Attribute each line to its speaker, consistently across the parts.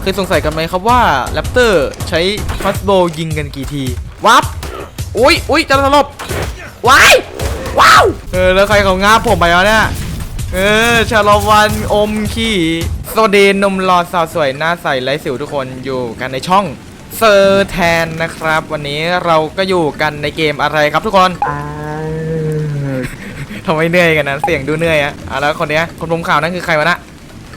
Speaker 1: เคยสงสัยกันไหมครับว่าแรปเตอร์ใช้คัสโบยิงกันกี่ทีวับอุ้ยจะสลบว้ายว้าวแล้วใครเขางาบผมไปแล้วเนี่ยชาลวันอมขี้สวัสดีนมรอสาวสวยหน้าใสไร้สิวทุกคนอยู่กันในช่องเซอร์แทนนะครับวันนี้เราก็อยู่กันในเกมอะไรครับทุกคนทำไมเหนื่อยกันนะเสียงดูเหนื่อยอะแล้วคนเนี้ยคนผมข่าวนั่นคือใครวะนะ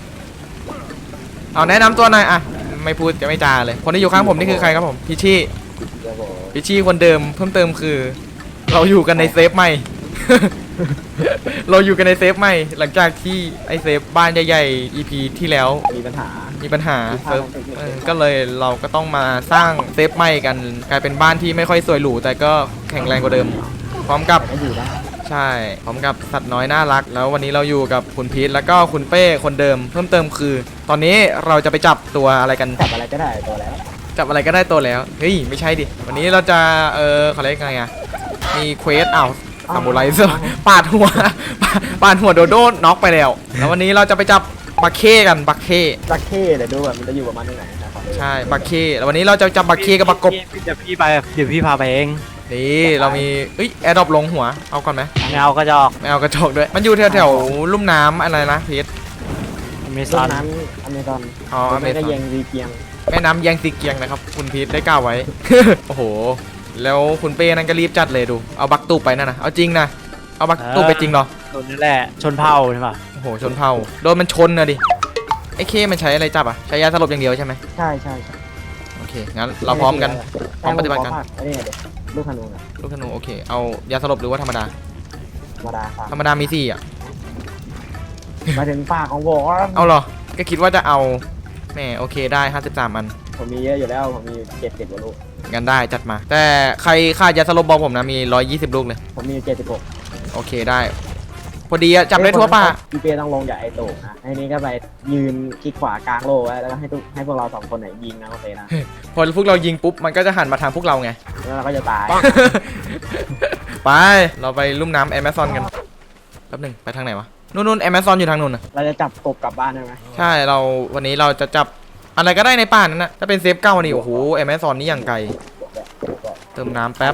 Speaker 1: เอาแนะนำตัวหน่อยอะไม่พูดจะไม่จาเลยคนที่อยู่ข้างผมนี่คือใครครับผมพิชชี่คนเดิมเพิ่มเติมคือเราอยู่กันในเซฟใหม่ เราอยู่กันในเซฟใหม่หลังจากที่ไอเซฟบ้านใหญ่ๆ EP ที่แล้วมีปัญหาเซิร์ฟก็เลยเราก็ต้องมาสร้างเซฟใหม่กันกลายเป็นบ้านที่ไม่ค่อยสวยหรูแต่ก็แข็งแรงกว่าเดิมพร้อมกับใช่พร้อมกับสัตว์น้อยน่ารักแล้ววันนี้เราอยู่กับคุณพีทแล้วก็คุณเป้คนเดิมเพิ่มเติมคือตอนนี้เราจะไปจับตัวอะไรกัน
Speaker 2: จับอะไรก็ได้ตัวแล้ว
Speaker 1: จับอะไรก็ได้ตัวแล้วเฮ้ยไม่ใช่ดิวันนี้เราจะเขาเรียกไงอะมีเควสซามูไรเซอร์ปาดหัวโดโดน็อกไปแล้วแล้ววันนี้เราจะไปจับบักเค้กันบักเค้
Speaker 2: เดี๋ยวดูแบบมันจะอยู่ประมาณไหนนะครับ
Speaker 1: ใช่บักเค้แล้ววันนี้เราจะจับบักเค้กับบักกบ
Speaker 3: เดี๋ยวพี่พาไปเอง
Speaker 1: นี่เรามีแอร์ดรอปลงหัวเอาก่อนไหม
Speaker 3: ไม่เอากระจอก
Speaker 1: ด้วยมันอยู่แถวลุ่มน้ำอะไรนะพีท
Speaker 3: อเมซอน
Speaker 1: อ๋ออเมซอน
Speaker 2: แม่น้ำยังซีเกียง
Speaker 1: แม่น้ำยังซีเกียงนะครับคุณพีทได้กล่าวไว้ โอ้โหแล้วคุณเป้นั่นก็รีบจัดเลยดูเอาบักตูบไปนั่นนะเอาจริงนะเอาบักตูบไปจริงเหรอ
Speaker 3: โดนนั่นแหละชนเผ่าใช่ป่ะ
Speaker 1: โอ้โหชนเผ่าโดนมันชนนะดิไอ้เคมันใช้อะไรจับอ่ะใช้ยาสลบอย่างเดียวใช่ไหม
Speaker 2: ใช่
Speaker 1: โอเคงั้นเราพร้อมกันพร้อมปฏิบัติกัน
Speaker 2: ลูกธนู
Speaker 1: โอเคเอายาสลบหรือว่าธรรมดามี4อ่ะ
Speaker 2: มาถึงปากของผม
Speaker 1: เอาเหรอก็คิดว่าจะเอาแม่โอเคได้53อัน
Speaker 2: ผมมีเยอะอยู่แล้วผมมี70กว่าลูก
Speaker 1: งั้นได้จัดมาแต่ใครขาดยาสลบบอกผมนะมี120ลูกเลย
Speaker 2: ผมมี76
Speaker 1: โอเคได้พอดีจับได้ทั่วป่า
Speaker 2: พี่เป้ต้องลงจากไอ้โต่งนะไอ้นี้ก็ไปยืนคลิกขวากลางโลไว้แล้วก็ให้พวกเรา2คนไหนยิงนะโอเคนะ
Speaker 1: พอพวกเรายิงปุ๊บมันก็จะหันมาทางพวกเราไง
Speaker 2: แล้วเราก็จะตาย
Speaker 1: ไปเราไปลุ่มน้ำแอมะซอนกันแป๊บหนึ่งไปทางไหนวะนู่นแอมะซอนอยู่ทางนู่นนะ
Speaker 2: เราจะจับกบกลับบ้านได้ไหม
Speaker 1: ใช่วันนี้เราจะจับอะไรก็ได้ในป่านั้นนะถ้าเป็นเซฟเก้านี่โอ้โหแอมะซอนนี่อย่างไกลเติมน้ำแป๊บ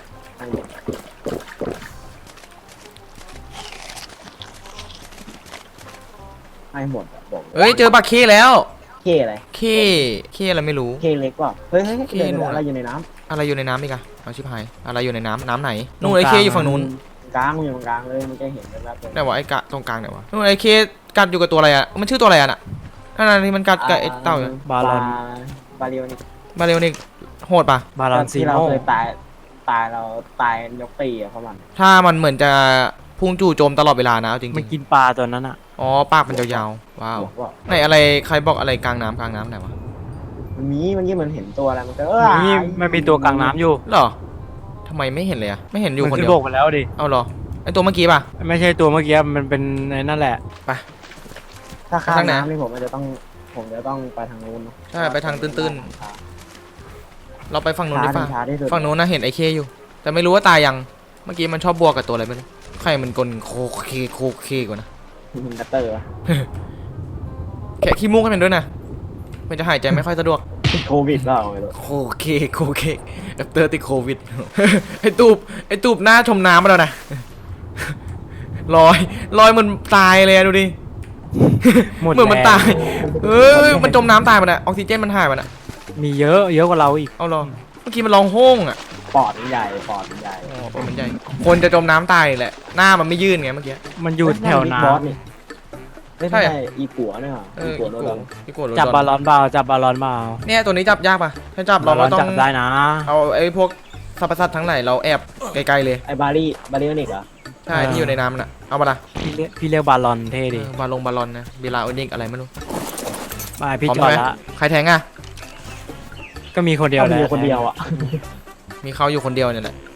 Speaker 2: ให้หมดบอก
Speaker 1: เจอบักเคแล้ว
Speaker 2: เคอะไร
Speaker 1: เคอะไรไม่รู้
Speaker 2: เคเล็กว่ะเฮ้ยอะไรอยู่ในน้
Speaker 1: ำอีกอะเอาชิบหายอะไรอยู่ในน้ำไหนนู่นไอเคอยู่ฝั่งนู้น
Speaker 2: กลางอยู่กลางเลยมันจะเห็นแล้ว
Speaker 1: แต่ว่าไอกะตรงกลางเนี่ยวะนู่นไอเคกัดอยู่กับตัวอะไรอะมันชื่อตัวอะไรอะน่ะนั่นที่มันกัดกับไอเต่า
Speaker 3: บา
Speaker 1: เรลนิกโหดปะ
Speaker 3: บาลอนซี
Speaker 2: โน่เราเคยตายยกตีอะเพราะมัน
Speaker 1: ถ้ามันเหมือนจะพุ่งจู่โจมตลอดเวลานะจริง
Speaker 3: มันกินปลาตัวนั้นอะ
Speaker 1: อ๋อปากมันยาวๆว้าวไหนอะไรใครบอกอะไรกลางน้ำไหนวะ
Speaker 2: มันยิ่งมันเห็นตัวอะไรมันก็
Speaker 3: มันมีตัวกลางน้ำอยู่
Speaker 1: หรอทำไมไม่เห็นเลยอะไม่เห็นอยู่คนเดียว
Speaker 3: มันโบกไปแล้วดิ
Speaker 1: เอาหรอไอตัวเมื่อกี้ป่ะ
Speaker 3: ไม่ใช่ตัวเมื่อกี้มันเป็นในนั่นแหละ
Speaker 1: ไป
Speaker 2: ถ้าข้ามน้ำนี่ผมจะต้องไปทางนู้น
Speaker 1: ใช่ไปทางตื้นๆเราไปฝั่งนู้นดีกว่าฝั่งนู้นนะเห็นไอเคอยู่แต่ไม่รู้ว่าตายยังเมื่อกี้มันชอบบวกกับตัวอะไรไม่รู้ใครมันกลโคเคกว่านะ
Speaker 2: มันกัตเตอร์
Speaker 1: แค่ขี้มูกให้มันด้วยนะมันจะหายใจไม่ค่อยสะดวก
Speaker 2: โควิดเปล่า
Speaker 1: โคเคกัตเตอร์ติดโควิดไอตูบหน้าชมน้ำมาแล้วนะลอยมันตายเลยดูดิเหมือนมันตายมันจมน้ำตายมันอะออกซิเจนมันหายมันอะ
Speaker 3: มีเยอะกว่าเราอีก
Speaker 1: เอาหรอเมื่อกี้มันร้องโฮ่งอะ
Speaker 2: ปอดมันใหญ่ปอดมันใหญ่
Speaker 1: คนจะจมน้ำตายแหละหน้ามันไม่ยื่นไงเมื่อกี้
Speaker 3: มันอยู่แถวน้
Speaker 2: ำใช่อีกัวเนี่ยอีกัว
Speaker 3: จับบาลอนเปล่า
Speaker 1: เนี่ยตัวนี้จับยากป่ะถ้าจับเราต้อง
Speaker 3: จับได้นะ
Speaker 1: เอาไอ้พวกสัตว์ทั้งหลายเราแอบไกลๆเลย
Speaker 2: ไอ้บารี่นิกเหรอ
Speaker 1: ใช่ที่อยู่ในน้ำน่ะเอามาละ
Speaker 3: พี่เรียกบาลอนเท่ดิ
Speaker 1: บาลอนนะเบลาโอนิกอะไรไม่รู้
Speaker 3: มาพี่จอดละ
Speaker 1: ใครแทงอ่ะ
Speaker 3: ก็มีคนเดียว
Speaker 2: อ่ะ
Speaker 1: มีเขาอยู่คนเดียวเนี่ยแหละ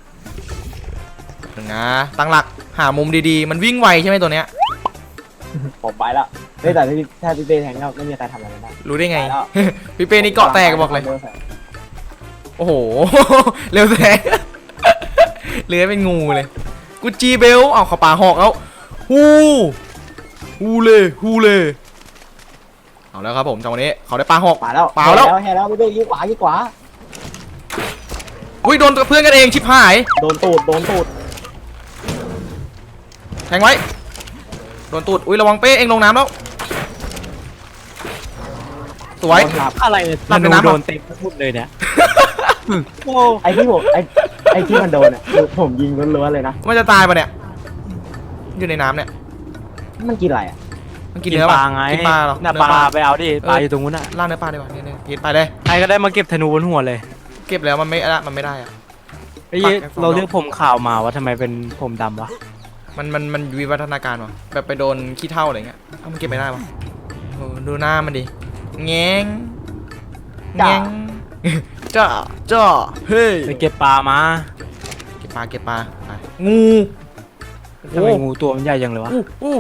Speaker 1: นะตั้งหลักหามุมดีๆมันวิ่งไวใช่ไหมตัวเนี้ย
Speaker 2: ผมไปแล้วแต่ถ้าพี่เป้แทงก็ไม่มีใครทำอะไรได้
Speaker 1: รู้ได้ไงพี่เป้นี่เกาะแตกบอกเลยโอ้โหเร็วแท้เลื้อยเป็นงูเลยกูจีเบลเอาเข้าป่าหอกแล้วฮูเลยเอาแล้วครับผมจังหวะนี้เขาได้ปลาหอก
Speaker 2: ป่าแล้ว
Speaker 1: เปล่าแล้ว
Speaker 2: เห็นแล้วพี่เป้ยิงขวายิงขวา
Speaker 1: อุ้ยโดนเพื่อนกันเองชิบหาย
Speaker 2: โดนตูด
Speaker 1: แทงไว้โดนตูดอุ้ยระวังเป้เองลงน้ำแล้วสวย
Speaker 2: โดนหลับ
Speaker 3: อะไรเนี่ย
Speaker 1: หลับใน
Speaker 3: ธนู
Speaker 1: น้ำอะ
Speaker 3: โดนเต็มทุกเลยเนี่ยโอ้
Speaker 2: ไอ้ที่ผมไอ้ที่มันโดนอ่ะคือผมยิงล้วนๆเลยนะ
Speaker 1: มันจะตายปะเนี่ยอยู่ในน้ำเนี่ย
Speaker 2: มันกินอะไรอ่ะ
Speaker 1: มันกิน
Speaker 3: กิน
Speaker 1: เนื้อ
Speaker 3: ป
Speaker 1: ปะ
Speaker 3: ลาไง
Speaker 1: กินปลาเหรอ
Speaker 3: น่ะ
Speaker 1: เนื้
Speaker 3: ป
Speaker 1: อ
Speaker 3: ลาไปเอาดิปลา
Speaker 1: เออ
Speaker 3: อยู่ตรงนู้นน่ะ
Speaker 1: ล่าเนื้อปลาดีกว่าเนี่ยกินไปเลย
Speaker 3: ใครก็ได้มาเก็บธนูบนหัวเลย
Speaker 1: เก็บแล้วมันไม่ละมันไม่ได้อะ
Speaker 3: ไอ้
Speaker 1: ปักแค่สอง
Speaker 3: เราเลือกผมขาวมาว่าทำไมเป็นผมดำวะ
Speaker 1: มันวิวัฒนาการวะแบบไปโดนขี้เถ้าอะไรเงี้ยเอ้ามันเก็บไม่ได้วะโอ้ดูหน้ามันดิแงงแงงจ้าจ้าเฮ้ย
Speaker 3: ไปเก็บปลามา
Speaker 1: เก็บปลาไปงู
Speaker 3: ทำไมงูตัวมันใหญ่จังเลยวะ
Speaker 1: อู้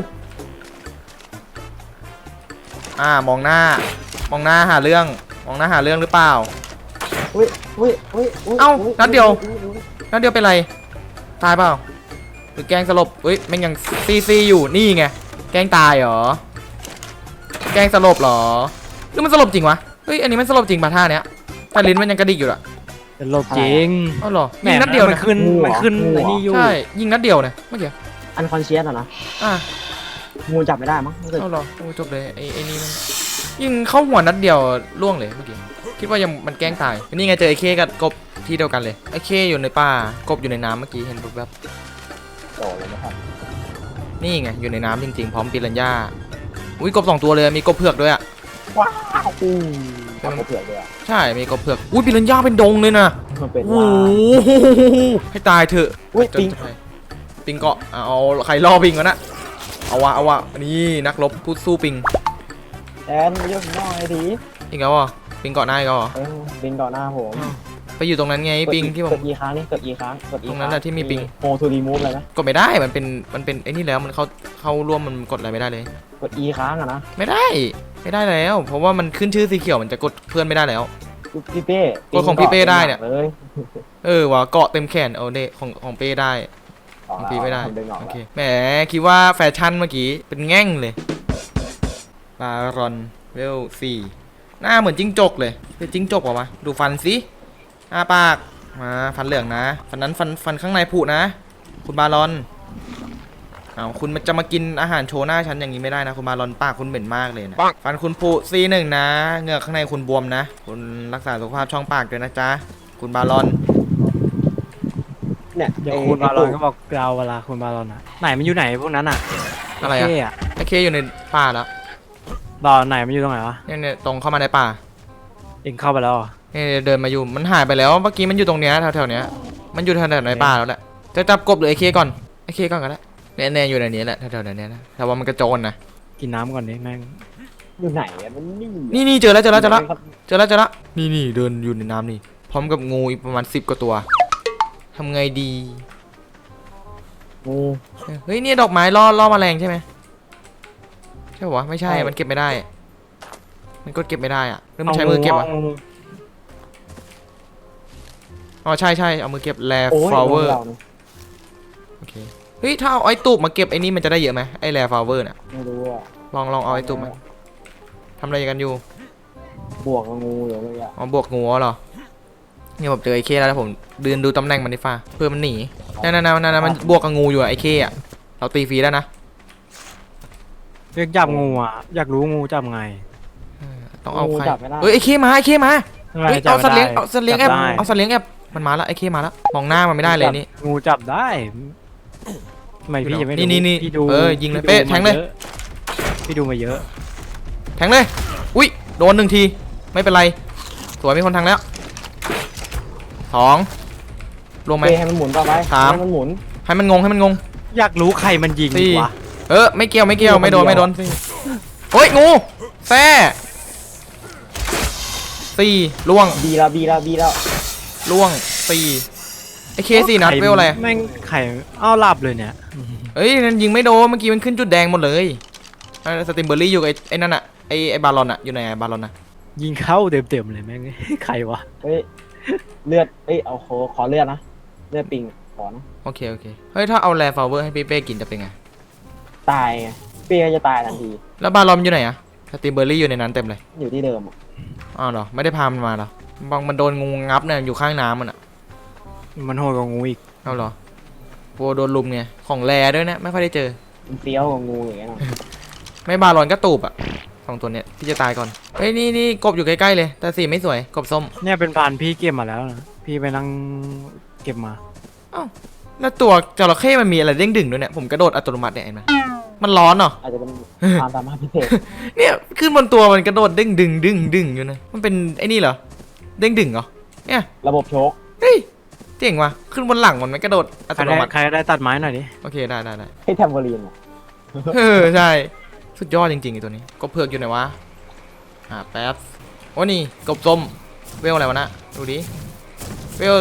Speaker 1: มองหน้าหาเรื่องหรือเปล่า
Speaker 2: อุ้ย
Speaker 1: เอ้านัดเดียว นั่นเดียวเป็นไรตายเปล่าหรือแกล้งสลบเฮ้ยแม่งยังซีอยู่นี่ไงแกล้งตายเหรอแกล้งสลบเหรอหรือมันสลบจริงวะเฮ้ยอันนี้มันสลบจริงป่ะท่าเนี้ยแต่ลิ้นมันยังกระดิกอยู่อะ
Speaker 3: เป็นโลบจริง
Speaker 1: อ้าวเหรอ
Speaker 3: แหม
Speaker 1: ยิงนัดเดียว
Speaker 3: มัน
Speaker 1: นะ
Speaker 3: ขึ้นมันขึ้นไอ้นี่อยู่
Speaker 1: ใช่ยิงนัดเดียวนะเมื่อกี้
Speaker 2: อันคอนเชียสอ่ะนะ
Speaker 1: อ่ะ
Speaker 2: งูจับไม่ได้มั้งรู้สึก
Speaker 1: เอาเหรอโอ้จบเลยไอ้นี่มันยิงเข้าหัวนัดเดียวล่วงเลยเมื่อกี้คิดว่ายังมันแกล้งตายนี่ไงเจอไอ้เคกับกบที่เดียวกันเลยไอ้เคอยู่ในป่ากบอยู่ในน้ำเมื่อกี้เห็นแบบ
Speaker 2: โตเลยนะครับ
Speaker 1: นี่ไงอยู่ในน้ำจริงๆพร้อมปิรันย่าอุ้ยกบ2 ตัวเลยมีกบเผือกด้วยอะ
Speaker 2: ว้าวจับเขาเผือกเลยอ่ะ
Speaker 1: ใช่มีกบเผือกอุ้ยปิรันย่าเป็นดงเลยนะ
Speaker 2: มันเป็น
Speaker 1: โอ้
Speaker 2: ว่า
Speaker 1: โหให้ตายเถอะ
Speaker 2: อุ้ยปิง
Speaker 1: จะไปปิงเกาะเอาใครล่อปิงวะนะเอาวะนี่นักรบพูดสู้ปิง
Speaker 2: แอนยกน้อยดี
Speaker 1: อีกแล้วเหรอปิงเกาะหน้าอีกแล้วเหรอ
Speaker 2: บินต่อหน้าผม
Speaker 1: ไปอยู่ตรงนั้นไงปิงที่ผม
Speaker 2: กดอีค้างนี่กดอีค้างกดอี
Speaker 1: ตรงนั้นน่ะที่มีปิง
Speaker 2: โฮทูรีมูฟเลยนะ
Speaker 1: กดไม่ได้มันเป็นไอ้นี่แล้วมันเข้าร่วมมันกดอะไรไม่ได้เลย
Speaker 2: กดอีค้างอะนะ
Speaker 1: ไม่ได้แล้ว เพราะว่ามันขึ้นชื่อสีเขียวมันจะกดเพื่อนไม่ได้แล้ว
Speaker 2: พี่เป้
Speaker 1: กดของพี่เป้ได้เนี่ย
Speaker 2: เลย
Speaker 1: ว่ะเกาะเต็มแขนเอาเดของเป้ได้ ของพี่ไม่ได้
Speaker 2: ผมดึงออก
Speaker 1: โอ
Speaker 2: แล้ว
Speaker 1: เคแหมคิดว่าแฟชั่นเมื่อกี้เป็นแง่งเลยบารอนเวล4หน้าเหมือนจิ้งจกเลยเป็นจิ้งจกเปล่าวะดูฟันสิปากมาฟันเหลืองนะฟันนั้นฟันข้างในผุนะคุณบารอนเอาคุณจะมากินอาหารโชว์หน้าฉันอย่างนี้ไม่ได้นะคุณบารอนปากคุณเหม็นมากเลยนะฟันคุณผุC1นะเหงือกข้างในคุณบวมนะคุณรักษาสุขภาพช่องปากด้วยนะจ๊ะคุณบารอน
Speaker 2: เนี่ย
Speaker 3: เดี๋ยวคุณบาลอนก็บอกเราเวลาคุณบาลอนอ่ะไหนมันอยู่ไหนพวกนั้นอ่ะ
Speaker 1: อะไร
Speaker 3: เท่
Speaker 1: อะไอเคอยู่ในป่าแล้ว
Speaker 3: บาลอนไหนมันอยู่ตรงไหนวะ
Speaker 1: เนี่ยตรงเข้ามาในป่า
Speaker 3: เองเข้าไปแล้วเหรอ
Speaker 1: เนี่ยเดินมาอยู่มันหายไปแล้วเมื่อกี้มันอยู่ตรงเนี้ยแถวๆเนี้ยมันอยู่แถวๆในป่าแล้วแหละจะจับกบหรือไอเคก่อนไอเคก่อนก็ได้เนี่ยอยู่ในนี้แหละแถวๆนี้นะแต่ว่ามันกระโจนนะ
Speaker 3: กินน้ำก่อนดิแม่ง
Speaker 2: อยู่ไหนอะมันนี่
Speaker 1: นี่เจอแล้วนี่เดินอยู่ในน้ำนี่พร้อมกับงูอีกประมาณ10 กว่าตัวทำไงดี
Speaker 2: งู
Speaker 1: เฮ้ยเนี่ยดอกไม้ล่อแมลงใช่ไหมใช่ปะวะไม่ใช่มันเก็บไม่ได้ มันกดเก็บไม่ได้อะหรือมันใช้มือเก็บอะอ๋อใช่เอามือเก็บแล
Speaker 2: โอ้ย
Speaker 1: ฟลาเวอร์
Speaker 2: เรานี่
Speaker 1: โอเคเฮ้ยถ้าเอาไอ้ตูบมาเก็บไอ้นี่มันจะได้เยอะไหมไอ้แลฟลาเวอร์น่ะ
Speaker 2: ไม่รู้อะ
Speaker 1: ลองเอาไอ้ตูบมาทำอะไรกันอยู่
Speaker 2: บวกกับงูอยู่เลยอะ
Speaker 1: อ๋อบวกงูเหรอเนี่ยผมเจอไอ้เคแล้วผมเดินดูตำแหน่งมันดิฟ้าเพื่อมันหนีนั่นมันบวกกับงูอยู่อะไอ้เคอะเราตีฟรีแล้วนะ
Speaker 3: เรียกจับงูอ่ะอยากรู้งูจับไง
Speaker 1: ต้องเอา
Speaker 2: งู
Speaker 1: ใคร
Speaker 2: จับไม่ได้
Speaker 1: เอ้ยไอ้เคมาเฮ้ย
Speaker 3: จั
Speaker 1: เอา
Speaker 3: บ
Speaker 1: สัตว์เลี้ยง
Speaker 3: ได้
Speaker 1: เอาสัตว์เลี้ยงแอบ
Speaker 3: จับได้
Speaker 1: เอาสัตว์เลี้ยงแอบมันมาแล้วไอ้เคมาแล้วมองหน้ามันไม่ได้เลยนี่
Speaker 3: งูจับได้ทำไมพี่ยังไม่รู้
Speaker 1: นี่
Speaker 3: พี่ดู
Speaker 1: ยิงเลย
Speaker 3: พี่ดู
Speaker 1: เป๊ะแทงเลย
Speaker 3: มาอะพี่ดูมาเยอะ
Speaker 1: แทงเลยอุ้ยโดน1 ทีไม่เป็นไรสวยมีคนแทงแล้ว2รวมไหม
Speaker 2: เป้ให้มันหมุนต่อไป
Speaker 1: สาม
Speaker 2: ให้มันหมุน
Speaker 1: ให้มันงง
Speaker 3: อยากรู้ใครมันยิง
Speaker 1: สี่
Speaker 3: วะ
Speaker 1: ไม่เกี่ยวไม่โดนโอ้ยงูแซ่4ล่วง
Speaker 2: บีแล้ว
Speaker 1: ล่วง4ไอเค4 นัดเวลอะไร
Speaker 3: แม่งไข่อ้าวหลับเลยเนี่ย
Speaker 1: เอ้ยนั่นยิงไม่โดนเมื่อกี้มันขึ้นจุดแดงหมดเลยสติมเบอร์รี่อยู่กับไอ้นั่นอะไอ้บาลอนอะอยู่ไหนบาลอนอะ
Speaker 3: ยิงเข้าเต็มๆเลยแม่ง ใครวะ
Speaker 2: เฮ้ยเลือดเอาขอเลือดนะเลือดปิงขอนะ
Speaker 1: โอเคเฮ้ยถ้าเอาแลฟลาเวอร์ให้พี่เป้กินจะเป็นไง
Speaker 2: ตายไงเป้จะตายทันที
Speaker 1: แล้วบาลอนอยู่ไหนอะสตรีมเบอร์รี่อยู่ในนั้นเต็มเลย
Speaker 2: อยู่ที่เดิมอะ
Speaker 1: อ้าวเหรอไม่ได้พามันมาเหรอบางมันโดนงูงับเนี่ยอยู่ข้างน้ำมันอ่ะ
Speaker 3: มันโหดกว่างูอีก
Speaker 1: เอาเหรอโวโดนลุมไงของแรด้วยนะไม่ค่อยได้เจอ
Speaker 2: มันเฟี้ยวกว่างูอย่างเงี้ยเนอะ
Speaker 1: ไม่บาลอนก็ตูบอ่ะสองตัวเนี้ยที่จะตายก่อนเฮ้ยนี่กบอยู่ใกล้ๆเลยแต่สีไม่สวยกบส้ม
Speaker 3: เนี่ยเป็นพานพี่เก็บมาแล้วนะพี่ไปนั่งเก็บมา
Speaker 1: แล้วตัวจระเข้มันมีอะไรเด้งดึงด้วยเนี่ยผมกระโดดอัตโนมัติเนี่ยเห็นไหมมันร้อนเหรอ
Speaker 2: อาจจะเป็นความสามารถพิเศษ
Speaker 1: เนี่ยขึ้นบนตัวมันกระโดดเด้งดึงอยู่นะมันเป็นไอ้นี่เหรอเด้งดึงเหรอเนี่ย
Speaker 2: ระบบโชค
Speaker 1: เฮ้ยเจ๋งว่ะขึ้นบนหลังมันไม่กระโดดอั
Speaker 3: ใค
Speaker 1: ต
Speaker 3: ร
Speaker 1: โน
Speaker 3: ได้
Speaker 1: มัติ
Speaker 3: ใครได้ตัดไม้หน่อยดิ
Speaker 1: โอเคได้
Speaker 2: ให้แทมโบลีนอะ
Speaker 1: ใช่สุดยอดจริงๆไอ้ตัวนี้กบเผือกอยู่ไหนวะแป๊บโอ้นี่กบส้มเวลอะไรวะนะดูดิเวล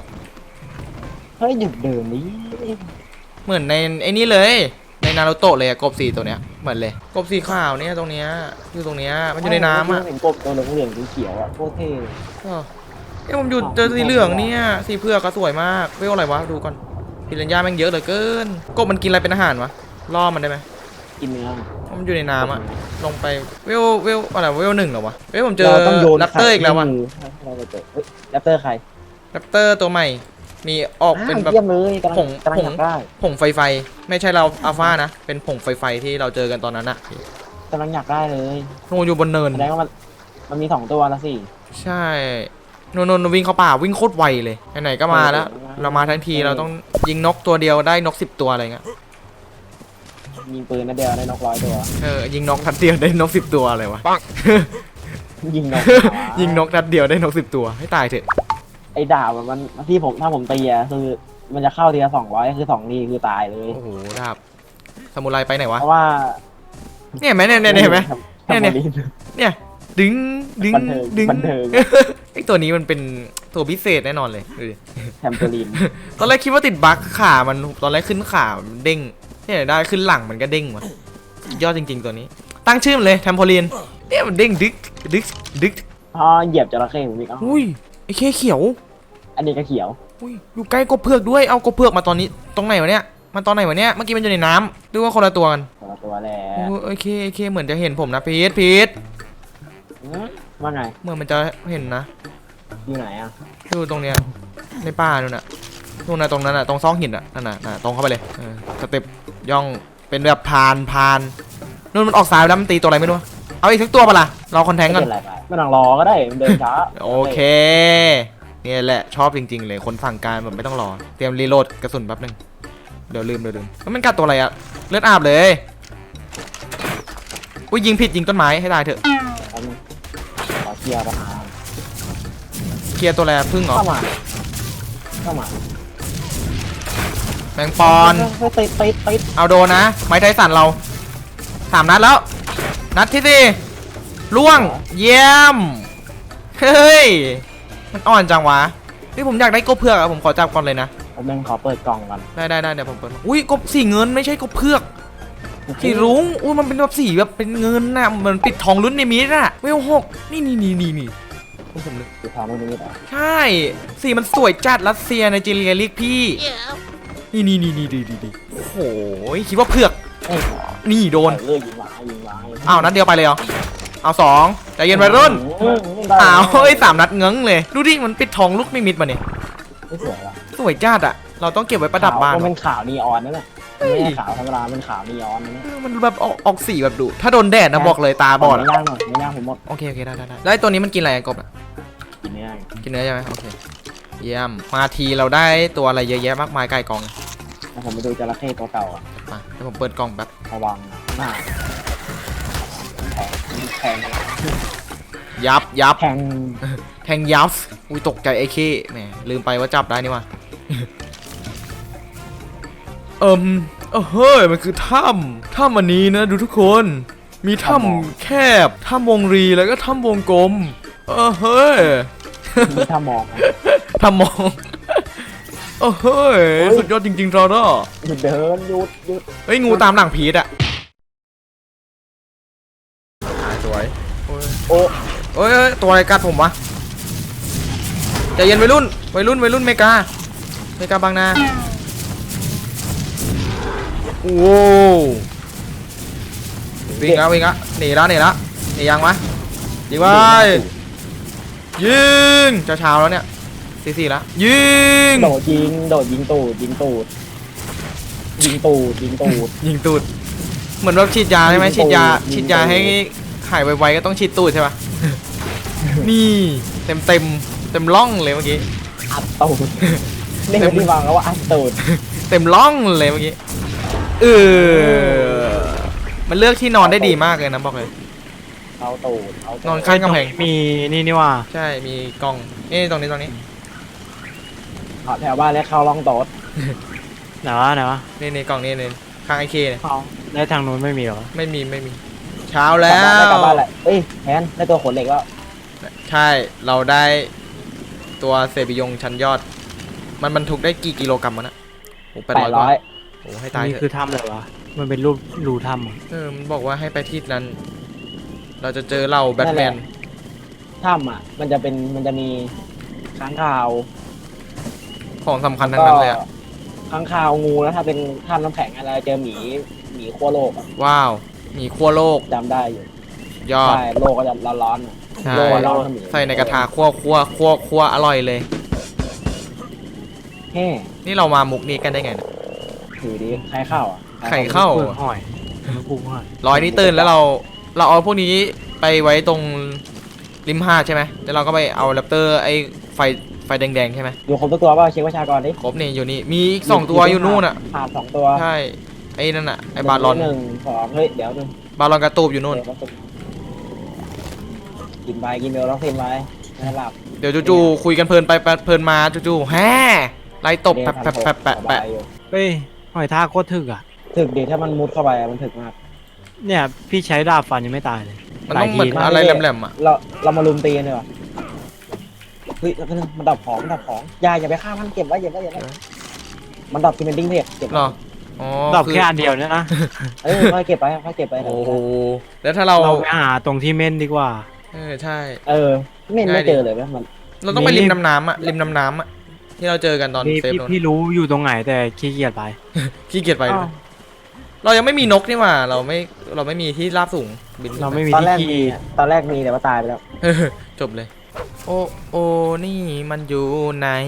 Speaker 1: 16
Speaker 2: เฮ้ยหยุดเดินนี้
Speaker 1: เหมือนในไอ้นี่เลยในนารูโตะเลยอะกบสีตัวเนี้ยเหมือนเลยกบสีขาวเนี่ยตรงเนี้ยอยู่ตรงเนี้ยมันอยู่ในน้ำอะ
Speaker 2: เห็นกบตัวเหลืองๆเขียวๆอะโคตรเท่เลย
Speaker 1: ผมอยู่เจอสีเหลืองเนี่ยสีเผือกก็สวยมากเวลอะไรวะดูก่อนปิรันย่าแม่งเยอะเหลือเกินกบมันกินอะไรเป็นอาหารวะล่อมันได้ไหม
Speaker 2: กินเนื้อ
Speaker 1: มันอยู่ในน้ำอะลงไปเวลอะไรเวล1เหรอวะผมเจอ
Speaker 2: เราต้องโยน
Speaker 1: แรปเตอร์อีกแล้ววะ
Speaker 2: ให้เราไปเจอเฮ้ยแรปเตอร์ใคร
Speaker 1: แรปเตอร์ตัวใหม่มีออกเป็นแบบ
Speaker 2: เยี่ยมเลยกำลัง
Speaker 1: ผง
Speaker 2: กำลังอยากได้
Speaker 1: ผงไฟไม่ใช่เราอัลฟานะเป็นผงไฟที่เราเจอกันตอนนั้นอะ
Speaker 2: กำลังอยากได้เลย
Speaker 1: โนอยู่บนเนิน
Speaker 2: แสดงว่ามันมี2ตัวแล้วสิ
Speaker 1: ใช่นวิ่งเข้าป่าวิ่งโคตรไวเลยไหนๆก็มาแล้ว เรามาทั้งทีเราต้องยิงนกตัวเดียวได้นก10ตัวอะไรเงี้ย
Speaker 2: ยิงปืนนัดเดียวได้นก100 ตัว
Speaker 1: ยิงนกนัดเดียวได้นก10ตัวอะไรวะ
Speaker 2: ยิงนก
Speaker 1: ยิงนกนัดเดียวได้นก10ตัวให้ตายเถอะ
Speaker 2: ไอ้ดาบมันที่ผมถ้าผมตีอะคือมันจะเข้าทีละ200คือ2ทีคือตายเลย
Speaker 1: โอ้โหดาบซามูไรไปไหนวะ
Speaker 2: เพราะว่า
Speaker 1: เนี่ยเห็นไหมเนี่ยเห็นไหม เนี่ย เนี่ยดึง
Speaker 2: บันเทิง
Speaker 1: ไอตัวนี้มันเป็นตัวพิเศษแน่นอนเลยดูดิ
Speaker 2: แทมเปอรีน
Speaker 1: ตอนแรกคิดว่าติดบั๊กขามันตอนแรกขึ้นขามันเด้งเนี่ยได้ขึ้นหลังมันก็เด้งว่ะยอดจริงๆตัวนี้ ตั้งชื่อมันเลยแทมโพลีนเนี่ยมันเด้งดึก
Speaker 2: พอเหยียบจระเข้ผมอีก
Speaker 1: อุ้ยไอเคเขียว
Speaker 2: อันนี้ก็เขียว
Speaker 1: อุ้ยอยู่ใกล้กบเผือกด้วยเอากบเผือกมาตอนนี้ตรงไหนวะเนี่ยมันตอนไหนวะเนี่ยเมื่อกี้มันอยู่ในน้ำดูว่าคนละตัวกัน
Speaker 2: ตัวแหละ
Speaker 1: โอเคเหมือนจะเห็นผมนะพีท
Speaker 2: ว่าไง
Speaker 1: เหมือนมันจะเห็นนะ
Speaker 2: อยู่ไหนอะ
Speaker 1: ดูตรงเนี้ยในป่านู่นน่ะตรงนั้นน่ะตรงซอกหินอ่ะนั่นน่ะตรงเข้าไปเลยสเต็ปย่องเป็นแบบพานนู่นมันออกซ้ายแล้วมันตีตัวอะไรไม่รู้เอาอีกสักตัวปะล่ะเราคอนแทง
Speaker 2: ไม่
Speaker 1: ก่อน
Speaker 2: เป็นไรไปไม่ต้องรอก็ได้มันเดินช้า
Speaker 1: โอเคเนี่ยแหละชอบจริงๆเลยคนสั่งการแบบไม่ต้องรอเตรียมรีโหลดกระสุนแป๊บนึงเดี๋ยวลืมแล้วมันกัดตัวอะไรอะเลือดอาบเลยอุ้ยยิงผิดยิงต้นไม้ให้ตายเถอะ
Speaker 2: เอามาขอเคลียร์ปัญหา
Speaker 1: เคลียร์ตัวอะไรพึ่งเหรอ
Speaker 2: เข้ามา
Speaker 1: แมงปอน
Speaker 2: ติด
Speaker 1: เอาโดนนะไม้ไทสันเรา3 นัดแล้วนัดที่4ล่วงเยี่ยมเฮ้ยมันอ่อนจังวะผมอยากได้กบเผือกอะผมขอจับก่อนเลยนะ
Speaker 2: ผมยังขอเปิดกล่องก่อน
Speaker 1: ได้เดี๋ยวผมเปิดอุ้ยกบสีเงินไม่ใช่กบเผือกสีรุ้งอุ้ยมันเป็นแบบสีแบบเป็นเงินน่ะเหมือนปิดทองลุ้นในมิตรอะเวล6นี่ผมเลย
Speaker 2: คือทำให้นี่ต่อ
Speaker 1: ใช่สีมันสวยจัดรัสเซียไนจีเรียเรียกพี่นี่ดีโอ้โหคิดว่าเผือก
Speaker 2: เอ้ย
Speaker 1: นี่โดน
Speaker 2: เลิกยิงหมา
Speaker 1: อ้าวนัดเดียวไปเลยเหรอเอา2ใจเย็นวัยรุ่นอ้าว3 นัดเงึ้งเลยดูดิมันปิดทองลูกนิมิตมาเนี่ย
Speaker 2: ไม่สวยหรอ
Speaker 1: สวยจัดอะเราต้องเก็บไว้ประดับบ้าน
Speaker 2: มันเป็นขาวนีออนนั่นแหละไม่ใช่ขาวธรรมดาเป็นขาวนีออนนั่นแหละ
Speaker 1: มันแบบออกสีแบบดุถ้าโดนแดดนะบอกเลยตาบอด
Speaker 2: ไม่
Speaker 1: อะ
Speaker 2: ย่างหน่อยไม่ย่างผมหมด
Speaker 1: โอเคได้แล้วไอ้ตัวนี้มันกินอะไรอะกบอะ
Speaker 2: กินเนื้อ
Speaker 1: กินเนื้อใช่ไหมโอเคเยี่ยมมาทีเราได้ตัวอะไรเยอะแยะมากมายไก่กอง
Speaker 2: แล้วผมไปดูจระเข้ตัวเก่าอ่ะ
Speaker 1: มาเดี๋ยวผมเปิดกล่องแป๊บ
Speaker 2: ระวังหน้าแทง
Speaker 1: ยับ
Speaker 2: แทง
Speaker 1: แทงยับอุ้ยตกใจไอ้เคแหมลืมไปว่าจับได้นี่ว่ะ เฮ้ยมันคือถ้ำอันนี้นะดูทุกคนมีถ้ำแคบถ้ำวงรีแล้วก็ถ้ำวงกลมเฮ้ย
Speaker 2: มีถ้ามอง
Speaker 1: ถ้ำมองเฮ้ยสุดยอดจริงๆรอด
Speaker 2: หยุดเดินหยุด
Speaker 1: เฮ้ยงูตามหลังพีทอะสวย
Speaker 2: โอ้
Speaker 1: เอ้ยตัวอะไรกัดผมวะใจเย็นวัยรุ่นเมกาบางนาโว้วิ่งละหนีละนี่ยังวะยิงไปยิงเช้าแล้วเนี่ย4-4แล้วยิง
Speaker 2: โดดยิงตูดยิงตูดยิงตูด
Speaker 1: เหมือนว่าฉีดยาใช่ไหม
Speaker 2: ยิงตู
Speaker 1: ฉี
Speaker 2: ด
Speaker 1: ดยา
Speaker 2: ยิงตูด
Speaker 1: ฉีดยาให้หายไวๆก็ต้องฉีดตูดใช่ปะ นี่เต็มร่องเลยเมื่อกี้
Speaker 2: อัดตูดนี่คือที่วางแล้วว่าอัดตูด
Speaker 1: เต็มร่องเลยเมื่อกี้มันเลือกที่นอนได้ดีมากเลยนะบอกเลย
Speaker 2: เอาตูดเอาตูด
Speaker 1: นอนข้างกำแพง
Speaker 3: มีนี่ว่า
Speaker 1: ใช่มีกล้องตรงนี้
Speaker 2: เอาแถวบ้านแล้วเข้าร่องโต๊ด
Speaker 3: ไหนวะ
Speaker 1: นี่กล่องนี่ข้างไอเคเนี่ย
Speaker 3: เอาได้ทางนู้นไม่มีเหรอ
Speaker 1: ไม่มีเช้าแล้ว
Speaker 2: กลับบ้านแหละเอ้ยแทนได้ตัวขนเหล็กแล้ว
Speaker 1: ใช่เราได้ตัวเซบิยงชั้นยอด มันบรรทุกได้กี่กิโลกรัมมันอะโอ้800 กว่า
Speaker 2: 800
Speaker 1: โอ้ให้ตาย
Speaker 3: นี่
Speaker 1: เถ
Speaker 3: คือ
Speaker 1: อะ
Speaker 3: ถ้ำเลยวะมันเป็นรูถ้ำเหรอ
Speaker 1: มันบอกว่าให้ไปที่นั้น เราจะเจอเราแบทแมน
Speaker 2: ถ้ำอ่ะมันจะมีค้างคาว
Speaker 1: ของสำคัญทั้งนั้นเลยอะ
Speaker 2: ค้างคาวงูแล้วถ้าเป็นถ้ำน้ำแข็งอะไรเจอหมีขั้วโลกอะ
Speaker 1: ว้าวมีขั้วโลก
Speaker 2: จำได้อยู่
Speaker 1: ยอด
Speaker 2: ใช่โลกก็จะร้อนๆอะ
Speaker 1: ใช่
Speaker 2: โลกร้อนๆ
Speaker 1: ใส่ในกระทะคั่วอร่อยเลย
Speaker 2: แฮ่
Speaker 1: นี่เรามามุกนี้กันได้ไงเนี่ย
Speaker 2: ถือดีใครเข้าอ่ะ
Speaker 1: ไข่เข้า
Speaker 3: เปลือกหอยปลูกหอย
Speaker 1: ร้อยนี้ตื่นแล้วเราเอาพวกนี้ไปไว้ตรงริมหาดใช่ไหมแล้วเราก็ไปเอาแรปเตอร์ไอ้ไฟแดงๆใช่ไหม
Speaker 2: อยู่ครบทุกตัวเปล่าเช็คประชากรดิ
Speaker 1: ครบนี่อยู่นี่มีอีก2 ตัวอยู่นู่นอ่ะ
Speaker 2: ผ่าน2 ตัว
Speaker 1: ใช่ไอ้นั่นอ่ะไอ้บาลอน
Speaker 2: 1 2เฮ้ยเดี๋ยวนึง
Speaker 1: บาลอนกระตูบอยู่นู่น
Speaker 2: กินไปกินเบลต้องเซ็นไว้ไม่หลับ
Speaker 1: เดี๋ยวจู่ๆคุยกันเพลินไปเพลินมาจู่ๆแฮ่ไล่ตบแปะ
Speaker 3: เฮ้ยหอยทากโคตรถึกอ่ะ
Speaker 2: ถึกดีถ้ามันมุดเข้าไปมันถึกมาก
Speaker 3: เนี่ยพี่ใช้ดาบฟันยังไม่ตายเลย
Speaker 1: มันต้องเหมือน
Speaker 3: หลายที
Speaker 1: อะไรแหลมๆอ่ะ
Speaker 2: เรามาลุมตีกันดีกว่าเฮ้ยแล้วก็มันดับของอย่าไปฆ่ามันเก็บไว้มันดับที่เป็นดิ้งเพจเก็บ
Speaker 1: เหรออ๋อ
Speaker 3: ดาบ
Speaker 1: คือ
Speaker 3: แค่อันเดียวเนี่ยนะ
Speaker 2: ค่อยเก็บไปค่อยเก็บไป
Speaker 1: โอ้โหแล้วถ้าเรา
Speaker 3: เราไปหาตรงที่เม่นดีกว่า
Speaker 1: ใช่
Speaker 2: ไม่เจอเลยไหมมัน
Speaker 1: เราต้องไปริมน้ำน้ำอ่ะที่เราเจอกันตอน
Speaker 3: พี่
Speaker 1: เซฟโดน
Speaker 3: พี่รู้อยู่ตรงไหนแต่ขี้เกียจไป
Speaker 1: ขี้เกียจไปด้วยเรายังไม่มีนกนี่หว่าเราไม่มีที่ราบสูงบินขึ้นป
Speaker 3: เราไม่มี
Speaker 2: ตอน
Speaker 3: ที่
Speaker 2: แรก
Speaker 3: ขี่
Speaker 2: มีตอนแรกมีแต่ว่าตายไปแล้ว
Speaker 1: จบเลย โอ้นี่มันอยู่ไหน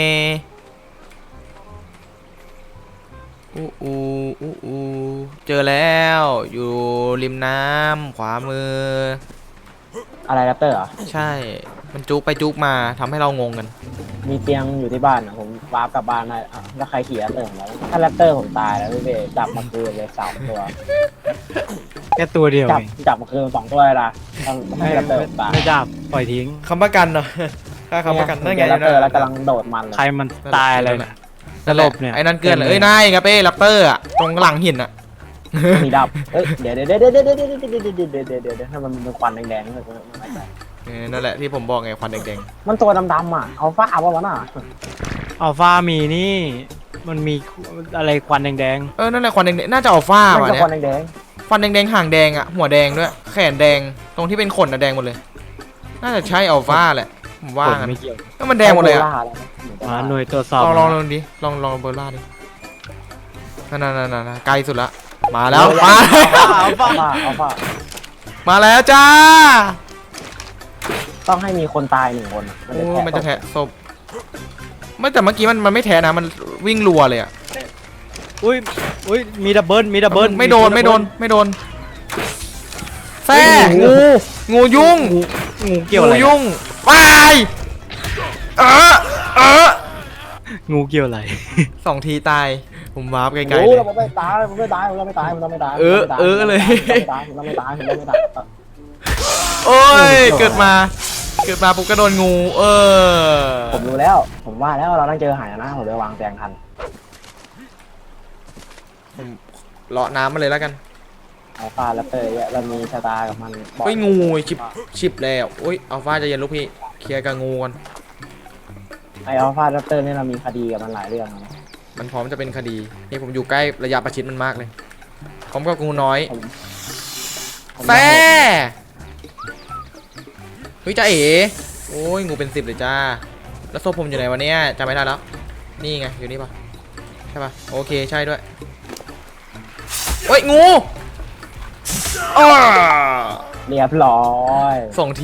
Speaker 1: อู้เจอแล้วอยู่ริมน้ำขวามือ
Speaker 2: อะไรแรปเตอร์เหรอ
Speaker 1: ใช่มันจุกไปจุกมาทำให้เรางงกัน
Speaker 2: มีเตียงอยู่ที่บ้านอ่ะผมวาร์ปกลับบ้านได้อ่ะแล้วใครขี่แรปเตอร์ของเราถ้าแรปเตอร์ผมตายแล้วพี่เบย์จับมาคืนเลย3 ตัว
Speaker 3: แค่ตัวเดียวเอง
Speaker 2: จับมาคืน2 ตัวเลยนะต้องให้แรปเตอร์ผมตาย
Speaker 3: ไม่ดาบปล่อยทิ้ง
Speaker 1: คำประกันเนาะค่าคำประกันนั่นไง
Speaker 2: แรปเตอร์แล้วกำลังโดดมันเลย
Speaker 3: ใครมันตายอะไรเนี่ย
Speaker 1: นั่นแหละ
Speaker 3: สลบเนี่ย
Speaker 1: ไอ้นั่นเกินเลยนายครับแรปเตอร์อะตรงหลังหินอะ
Speaker 2: มีดับเดี๋ยวถ้ามันเป็นควันแดงๆมันไม่ใช่
Speaker 1: นั่นแหละที่ผมบอกไงควันแดง
Speaker 2: มันตัวดำๆอ่ะเอาฟ้าเอาวะน่ะ
Speaker 3: อัลฟามีนี่มันมีอะไรควันแดง
Speaker 1: ๆนั่นแหละควันแดงๆน่าจะอัลฟ่า
Speaker 2: มัน
Speaker 1: ว่ะ
Speaker 2: ก็
Speaker 1: เนี่
Speaker 2: ควัน
Speaker 1: ย
Speaker 2: แดง
Speaker 1: ควันแดงๆห่างแดงอะหัวแดงด้วยแขนแดงตรงที่เป็นขนอะแดงหมดเลย น่าจะใช่อัลฟ่าแหละผม
Speaker 3: ๆ
Speaker 1: ว่า
Speaker 3: ผม
Speaker 1: งั้น
Speaker 3: ไม่เกี่ยว
Speaker 1: ก็มันแดงหมดเลยอะ
Speaker 3: หน่วยตรวจสอบ
Speaker 1: ลองดิลองเบอร์ล่าดินั่นไกลสุดละมาแล้ว
Speaker 2: เอาฟ้า
Speaker 1: มาแล้วจ้า
Speaker 2: ต้องให้มีคนตาย1 คน
Speaker 1: โอ้มันจะแทะศพไม่แต่เมื่อกี้มันไม่แทะนะมันวิ่งรัวเลยอะ
Speaker 3: อุ้ยมีดับเบิล
Speaker 1: ไม่โดนแซ่งูยุ่ง
Speaker 3: งูเกี่ยวอะไร
Speaker 1: งูยุ่งวาย
Speaker 3: งูเกี่ยวอะไร
Speaker 1: 2 ทีตายผมวาร์ปไกลๆ
Speaker 2: โอ้
Speaker 1: เลย
Speaker 2: เราไม่ตายเลย
Speaker 1: ผมต้องไม่ตาย
Speaker 2: เลย
Speaker 1: โอ้ยเกิดมาปุ๊บก็โดนงู
Speaker 2: ผมรู้แล้วผมว่าแล้วเราต้องเจอหายนะผมเลยวางแตงทัน
Speaker 1: ผมเลาะน้ำมาเลยแล้วกัน
Speaker 2: อัลฟาแรปเตอร์เรามีชะตากับมัน
Speaker 1: เฮ้ยงูชิบแล้วโอ้ยอัลฟาจะเย็นลูกพี่เคลียร์กับงูกัน
Speaker 2: ไออัลฟาแรปเตอร์นี่เรามีคดีกับมันหลายเรื่องนะ
Speaker 1: มันพร้อมจะเป็นคดีนี่ผมอยู่ใกล้ระยะประชิดมันมากเลยพร้อมกับงูน้อยแซ่เฮ้ยจ้าเอ๋โอ้ยงูเป็น10เลยจ้าแล้วโซ่ผมอยู่ไหนวะเนี่ยจำไม่ได้แล้วนี่ไงอยู่นี่ปะใช่ปะโอเคใช่ด้วยเฮ้ยงู
Speaker 2: เรียบร้อย
Speaker 1: 2 ที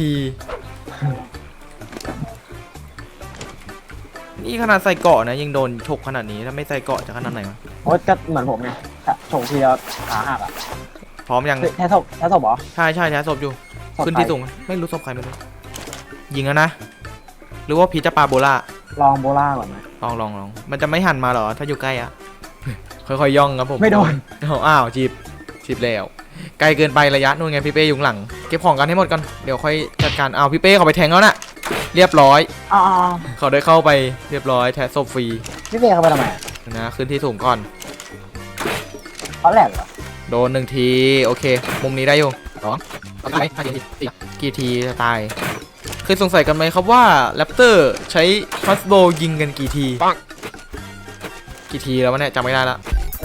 Speaker 1: นี่ขนาดใส่เกราะนะยังโดนฉกขนาดนี้ถ้าไม่ใส่เกราะจะขนาดไหนวะ
Speaker 2: โอ๊ตก็เหมือนผมไงส่งทีแล้วขาหักอ่ะ
Speaker 1: พร้อมยัง
Speaker 2: แท้ศพเหรอ
Speaker 1: ใช่ใช่แท้ศพอยู่
Speaker 2: ศพ
Speaker 1: ขึ้น
Speaker 2: ใคร
Speaker 1: ที่สูงไม่รู้ศพใครไม่รู้ยิงแล้วนะหรือว่าพีจะปาโบล่า
Speaker 2: ลองโบล่าก่อนไหม
Speaker 1: ลองมันจะไม่หันมาเหรอถ้าอยู่ใกล้อะ ค่อยๆย่องครับผม
Speaker 2: ไม่โดน
Speaker 1: อ้าวจีบแล้วไกลเกินไประยะนู่นไงพี่เป้อยู่ข้างหลังเก็บของกันให้หมดก่อนเดี๋ยวค่อยจัดการอ้าวพี่เป้เขาไปแทงแล้วน่ะเรียบร้อย
Speaker 2: อ๋อ
Speaker 1: เขาได้เข้าไปเรียบร้อยแทะศพฟรี
Speaker 2: พี่เฟย์เข้าไปทำไม
Speaker 1: นะขึ้นที่สูงก่อน
Speaker 2: เขาแหลกเหรอ
Speaker 1: โดน1 ทีโอเค มุมนี้ได้อยู่2ไป5 ที4กี่ทีจะตายเคยสงสัยกันไหมครับว่าแรปเตอร์ใช้ฟัสโบยิงกันกี่ทีกี่ทีแล้ววะเนี่ยจำไม่ได้ละ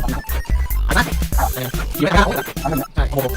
Speaker 1: ยิงไม่ได้ใช่โอ้โห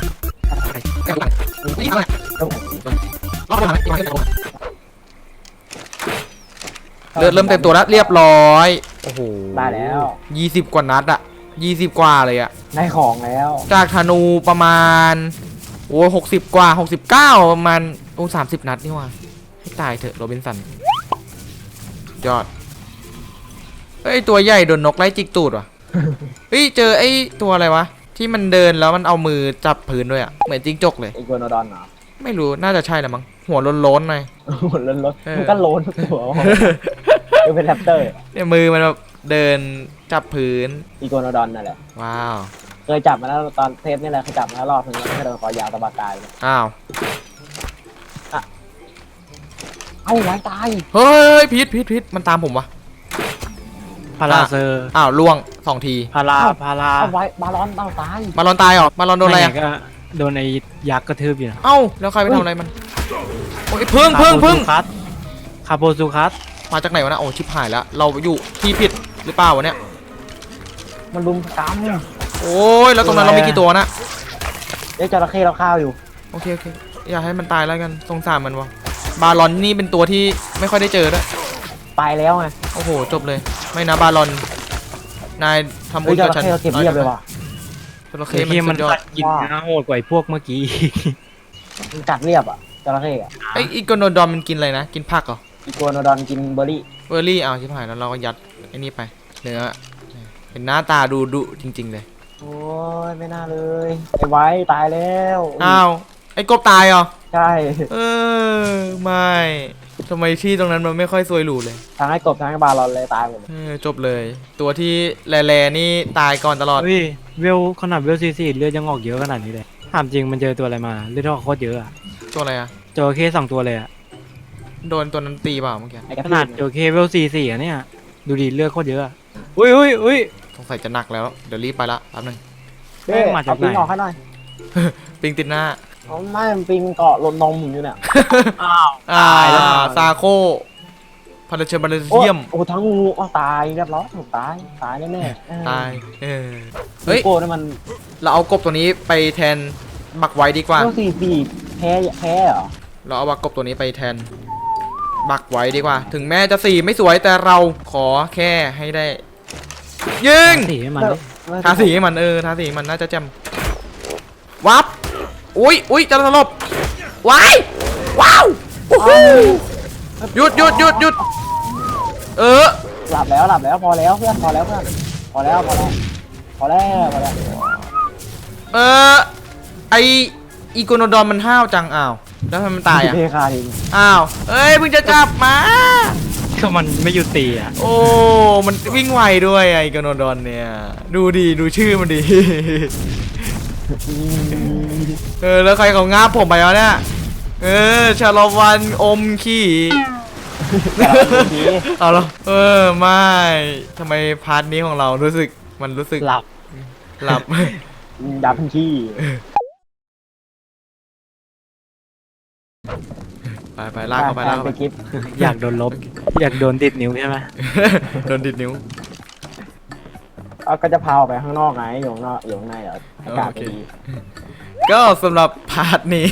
Speaker 1: เลือดเริ่มเต็มตัวแล้วเรียบร้อยโอ้โห
Speaker 2: ได้แล้ว
Speaker 1: 20 กว่านัดอะ20 กว่าเลยอะ
Speaker 2: ได้ของแล้ว
Speaker 1: จากธนูประมาณโอ้60 กว่า69ประมาณโอ้30 นัดนี่ว่าให้ตายเถอะโรบินสันยอดเฮ้ยตัวใหญ่โดนนกไล่จิกตูดว่ะ เฮ้ยเจอไอ้ตัวอะไรวะที่มันเดินแล้วมันเอามือจับพื้นด้วยอะเหมือนจิ้งจกเลย
Speaker 2: อีโกโนดอนเหรอ
Speaker 1: ไม่รู้น่าจะใช่แหละมั้งหัวโล้นๆหน่อย
Speaker 2: หมดล้นรถ
Speaker 1: เออ
Speaker 2: มันก็โลนตัวดูเป็นแรปเตอร์
Speaker 1: เนี่ยมือมันแบบเดินจับพื้น
Speaker 2: อีโกโนดอนนั่นแหละ
Speaker 1: ว้าว
Speaker 2: เคยจับมาแล้วตอนเทปนี่แหละเคยจับมาแล้วรอบนึงแล้วก็โดนคอยาวตะบากายเลย
Speaker 1: อ้าว
Speaker 2: เอ้าไว้ตาย
Speaker 1: เฮ้ยพิษมันตามผมวะ
Speaker 3: พาราเซอร์
Speaker 1: อ้าวล่วง2 ที
Speaker 3: พารา
Speaker 2: เอาไว้บาลอนเต้าตาย
Speaker 1: มาลอนตายเหรอมาลอนโดนอะไรอะ
Speaker 3: ก็โดนไอ้ยักษ์กระทืบอยู่นะ
Speaker 1: เอ้าแล้วใครไปทำอะไรมันโอ้ยพึ่ง
Speaker 3: คาโปซูคัส
Speaker 1: มาจากไหนวะนะโอ้ชิบหายแล้วเราอยู่ที่ผิดหรือเปล่าวะเนี่ย
Speaker 2: มันลุมก
Speaker 1: โอ้ยแล้วตรงนั้นเรามีกี่ตัวนะ
Speaker 2: ำเดี๋ยวจระเข้เราข้าวอยู่
Speaker 1: โอเคอย่าให้มันตายแล้วกันสงสารมันวะบาลอนนี่เป็นตัวที่ไม่ค่อยได้เจอด้วย
Speaker 2: ตายแล้วไง
Speaker 1: โอ้โหจบเลยไม่นะบาลอนนายทำบุ
Speaker 2: เฮ้ย
Speaker 1: ญ
Speaker 2: จ
Speaker 1: กับ
Speaker 2: ระ
Speaker 1: ฉัน
Speaker 2: เข้เราเก็บเรียบเลยว่ะ
Speaker 1: จระ
Speaker 3: เฮ้
Speaker 1: เข้
Speaker 3: ย
Speaker 1: มั
Speaker 3: มัน น
Speaker 1: สุดยอ
Speaker 3: กั
Speaker 1: ด
Speaker 3: ดกินนะโหดกว่าไอ้พวกเมื่อกี้
Speaker 2: มันกัดเรียบอ่ะจระเข้อะ
Speaker 1: ไออีโกโนดอนมันกินอะไรนะกินผักเหรอ
Speaker 2: อีโกโนดอนกินเบอร์รี่
Speaker 1: เบอร์รี่เอาชิบหายแล้วเราก็ยัดไอ้นี่ไปเนื้อเป็นหน้าตาดูดุจริงๆเลย
Speaker 2: โอ้ยไม่น่าเลยไอ้ไว้ตายแล้ว
Speaker 1: อ้าวไอ้กบตายเหรอ
Speaker 2: ใช่
Speaker 1: เออไม่ทำไมที่ตรงนั้นมันไม่ค่อยสวยหรูเลย
Speaker 2: ทั้งไอ้กบทั้งไอ้บาลอนเลยตายหมดเลย
Speaker 1: จบเลย ตัวที่แร่ๆนี่ตายก่อนตลอด
Speaker 3: เฮ้ยเวลขนาดเวลซีเลือดยังออกเยอะขนาดนี้เลยถามจริงมันเจอตัวอะไรมาเลือดออกโคตรเยอะอะ
Speaker 1: ตัวอะไรอะ
Speaker 3: จระเข้2 ตัวเลยอะ
Speaker 1: โดนตัวนั้นตีเปล่าเมื่อกี้
Speaker 2: ไอ้กระ
Speaker 3: ข
Speaker 2: ทื
Speaker 3: นาด
Speaker 2: บ
Speaker 3: จระเข้เวล44อะเนี่ยดูดิเลือดโคตรเยอะอะอุ้ย
Speaker 1: สงสัยจะหนักแล้วเดี๋ยวรีบไปละแป๊บนึง
Speaker 2: เฮ้ย
Speaker 3: มาจาก
Speaker 2: เอาปิง
Speaker 3: ไหน
Speaker 2: ออกให้หน่อย
Speaker 1: ปิงติดหน้า
Speaker 2: เอาไม่มันปิงเกาะลนนมผมอยู่เนี่ย
Speaker 3: อ้าว
Speaker 1: อ่า
Speaker 3: ตายแล้ว
Speaker 1: ซาโคพาราเชบาเล
Speaker 2: โอ้
Speaker 1: เซียม
Speaker 2: โอ้ทั้งงูเอาตายเรียบร้อยผมตายแน่ๆเออ
Speaker 1: ตายเฮ้ย
Speaker 2: โก้นี่มัน
Speaker 1: เราเอากบตัวนี้ไปแทนบักไว้ดีกว่า
Speaker 2: เรื่องสี่แพ้เหรอ
Speaker 1: เราเอาบักกบตัวนี้ไปแทนบักไว้ดีกว่า ถึงแม้จะสีไม่สวยแต่เราขอแค่ให้ได้ยิง
Speaker 3: สีให้มันดิ
Speaker 1: ทาสีให้มันทาสีให้มันน่าจะแจ่มวับอุ้ยจะสลบว้ายว้าวโอ้โหหยุด
Speaker 2: หลับแล้วพอแล้วเพื่อนพอแล้ว
Speaker 1: ไออีโกโนดอนมันห้าวจังอ้าวแล้วทำไมมันตายอ่ะ
Speaker 2: เทคาทิ้ง
Speaker 1: อ้าวเอ้ยเพิ่งจะจับมา
Speaker 3: ก็มันไม่หยุดตีอะ
Speaker 1: โอ้มันวิ่งไวด้วยไออีโกโนดอนเนี่ยดูชื่อมันดี แล้วใครเขางาบผมไปวะเนี่ยชาลวันอมขี้เอาเหรอไม่ทำไมพาร์ทนี้ของเรารู้สึก
Speaker 3: หลับ
Speaker 1: หลับ
Speaker 2: ดับทันที
Speaker 1: ไปลากเข้าไปลากเข้าไป
Speaker 2: คลิป
Speaker 3: อยากโดนลบ อยากโดนติดนิ้วใช่ไหม
Speaker 1: โดนดิดนิ้ว
Speaker 2: ก็จะพาออกไปข้างนอกไงอยู่ข้างนอกอยู่ข้างในเหรออากาศไม่ดี
Speaker 1: ก็สำหรับพาร์ทนี้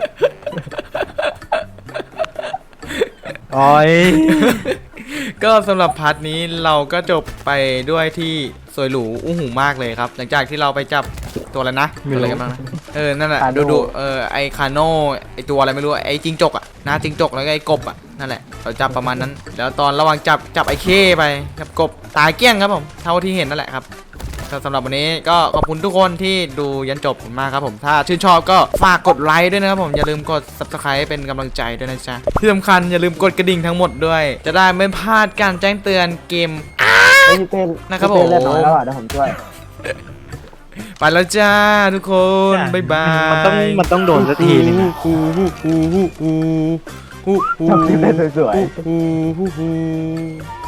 Speaker 3: โอ้ย
Speaker 1: ก็สำหรับพาร์ทนี้เราก็จบไปด้วยที่สวยหรูอู้หูมากเลยครับ หลังจากที่เราไปจับตัวอะไรนะตัวอะไรกันบ้างนะนั่นแหละ
Speaker 2: คาโน่
Speaker 1: ดูไอคาโน่ไอตัวอะไรไม่รู้ไอจิงจกอะหน้าจิงจกแล้วก็ไอกบอะนั่นแหละเราจับประมาณนั้น แล้วตอนระหว่างจับไอเคไปกับกบตายเกลี้ยงครับผมเท่าที่เห็นนั่นแหละครับสำหรับวันนี้ก็ขอบคุณทุกคนที่ดูยันจบมากครับผมถ้าชื่นชอบก็ฝากกดไลค์ด้วยนะครับผมอย่าลืมกด subscribe เป็นกำลังใจด้วยนะจ๊ะที่สำคัญอย่าลืมกดกระดิ่งทั้งหมดด้วย จะได้ไม่พลาดการแจ้งเตือนเกม
Speaker 2: เฮ้ยพี่เต้น
Speaker 1: นะครับ
Speaker 2: พี่เต้น
Speaker 1: ผม
Speaker 2: เลือดน้อยแล้วอ่ะเดี๋ยวผมช่วย
Speaker 1: ไปแล้วจ้าทุกคนบ๊ายบาย
Speaker 3: มันต้องโดนสักทีนึงอะ
Speaker 2: ทำพี่เต้นสวยๆ
Speaker 1: ๆ